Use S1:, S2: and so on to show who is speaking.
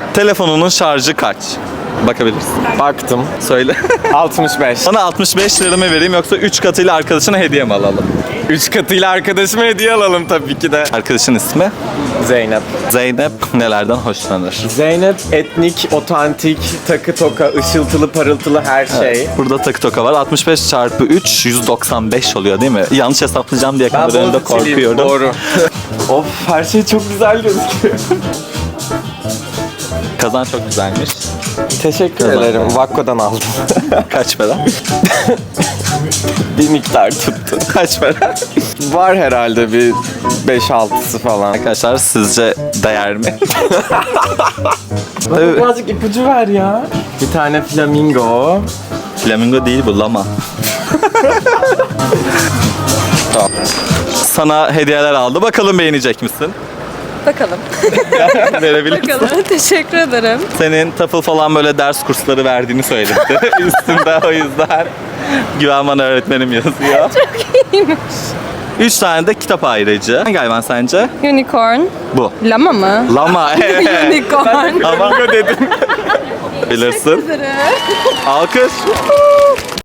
S1: Telefonunun şarjı kaç? Bakabilirsin.
S2: Baktım.
S1: Söyle.
S2: 65.
S1: Sana 65 lira mı vereyim yoksa 3 katıyla arkadaşına hediye mi alalım?
S2: 3 katıyla arkadaşıma hediye alalım tabii ki de.
S1: Arkadaşın ismi?
S2: Zeynep.
S1: Zeynep nelerden hoşlanır?
S2: Zeynep etnik, otantik, takı toka, ışıltılı, parıltılı her şey.
S1: Burada takı toka var. 65 çarpı 3 195 oluyor değil mi? Yanlış hesaplayacağım diye
S2: Ben
S1: kadar önünde
S2: Boğaziçi'liyim,
S1: korkuyorum.
S2: doğru. Of, her şey çok güzel gözüküyor.
S1: Kazan çok güzelmiş.
S2: Teşekkür ederim. Vakko'dan aldım.
S1: Kaç para?
S2: Bir miktar tuttu.
S1: Kaç para?
S2: Var herhalde bir 5-6'sı falan.
S1: Arkadaşlar sizce değer mi?
S2: Bana birazcık ipucu ver ya. Bir tane flamingo.
S1: Flamingo değil bu, lama. Tamam. Sana hediyeler aldı. Bakalım beğenecek misin?
S3: Bakalım.
S1: Verebilir misin?
S3: Bakalım. Teşekkür ederim.
S1: Senin TOEFL falan böyle ders kursları verdiğini söyledi. Üstünde o yüzden Güven bana öğretmenim yazıyor. Çok
S3: iyiymiş.
S1: 3 tane de kitap ayrıcı. Hangi hayvan sence?
S3: Unicorn.
S1: Bu.
S3: Lama mı?
S1: Lama.
S3: Unicorn.
S1: Ama dedim. Bilirsin. Alkış.